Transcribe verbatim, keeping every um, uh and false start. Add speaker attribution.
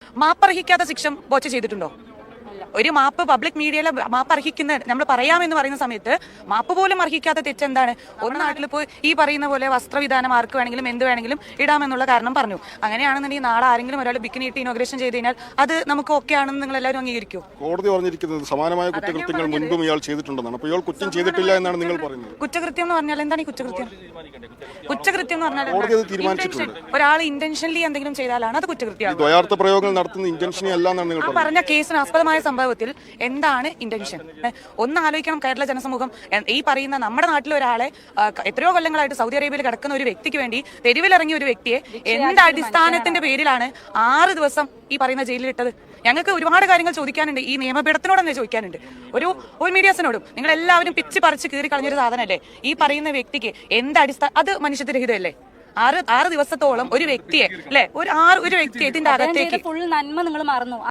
Speaker 1: മാപ്പർഹിക്കാത്ത ശിക്ഷ ബോച്ച ചെയ്തിട്ടുണ്ടോ? ഒരു മാപ്പ് പബ്ലിക് മീഡിയയിലെ മാപ്പ് അർഹിക്കുന്ന നമ്മൾ പറയാമെന്ന് പറയുന്ന സമയത്ത് മാപ്പ് പോലും അർഹിക്കാത്ത തെറ്റെന്താണ്? ഒരു നാട്ടിൽ പോയി ഈ പറയുന്ന പോലെ വസ്ത്രവിധാനം ആർക്ക് വേണമെങ്കിലും എന്ത് വേണമെങ്കിലും ഇടാമെന്നുള്ള കാരണം പറഞ്ഞു. അങ്ങനെയാണെന്നുണ്ടെങ്കിൽ നാളെ ആരെങ്കിലും ഒരാൾ ബിക്കിനി ഇട്ട് ഇനോഗ്രേഷൻ ചെയ്ത് കഴിഞ്ഞാൽ അത് നമുക്ക് ഓക്കെ ആണെന്ന് നിങ്ങൾ എല്ലാവരും അംഗീകരിക്കും?
Speaker 2: കോടതി പറഞ്ഞിരിക്കുന്നത് സമാനമായ കുറ്റകൃത്യങ്ങൾ മുൻപും ഇയാൾ ചെയ്തിട്ടുണ്ടെന്നാണ്. അപ്പോൾ ഇയാൾ കുറ്റം ചെയ്തിട്ടില്ല എന്നാണ് നിങ്ങൾ പറയുന്നത്.
Speaker 1: കുറ്റകൃത്യം എന്ന് പറഞ്ഞാൽ എന്താണ് ഈ കുറ്റകൃത്യം? കുറ്റകൃത്യം എന്ന് പറഞ്ഞാൽ
Speaker 2: കോടതി അത് തീരുമാനിച്ചിട്ടുണ്ട്.
Speaker 1: ഒരാൾ ഇന്റൻഷനലി എന്തെങ്കിലും ചെയ്താലാണ് അത് കുറ്റകൃത്യമാണ്.
Speaker 2: ദ്വയാർത്ഥ പ്രയോഗങ്ങൾ നടത്തുന്ന ഇന്റൻഷനെ അല്ല എന്നാണ് നിങ്ങൾ
Speaker 1: പറഞ്ഞ കേസിന് ആസ്പദമായ സംഭവത്തിൽ എന്താണ് ഇന്റൻഷൻ? ഒന്ന് ആലോചിക്കണം കേരള ജനസമൂഹം. ഈ പറയുന്ന നമ്മുടെ നാട്ടിലെ ഒരാളെ എത്രയോ കൊല്ലങ്ങളായിട്ട് സൗദി അറേബ്യയിൽ കിടക്കുന്ന ഒരു വ്യക്തിക്ക് വേണ്ടി തെരുവിലിറങ്ങിയ ഒരു വ്യക്തിയെ എന്ത് അടിസ്ഥാനത്തിന്റെ പേരിലാണ് ആറ് ദിവസം ഈ പറയുന്ന ജയിലിലിട്ടത്? ഞങ്ങൾക്ക് ഒരുപാട് കാര്യങ്ങൾ ചോദിക്കാനുണ്ട്. ഈ നിയമപീഠത്തിനോട് തന്നെ ചോദിക്കാനുണ്ട്, ഒരു ഒരു മീഡിയാസിനോടും. നിങ്ങൾ എല്ലാവരും പിച്ച് പറിച്ച് കീറി കളഞ്ഞൊരു സാധനമല്ലേ ഈ പറയുന്ന വ്യക്തിക്ക് എന്ത് അടിസ്ഥാന അത് മനുഷ്യത്വരഹിതമല്ലേ? ആറ് ആറ് ദിവസത്തോളം ഒരു വ്യക്തിയെ അല്ലെ ഒരു ആറ് ഒരു വ്യക്തിയെ ഇതിന്റെ അകത്തേക്ക്
Speaker 3: ഫുൾ നന്മ നിങ്ങൾ മറന്നു.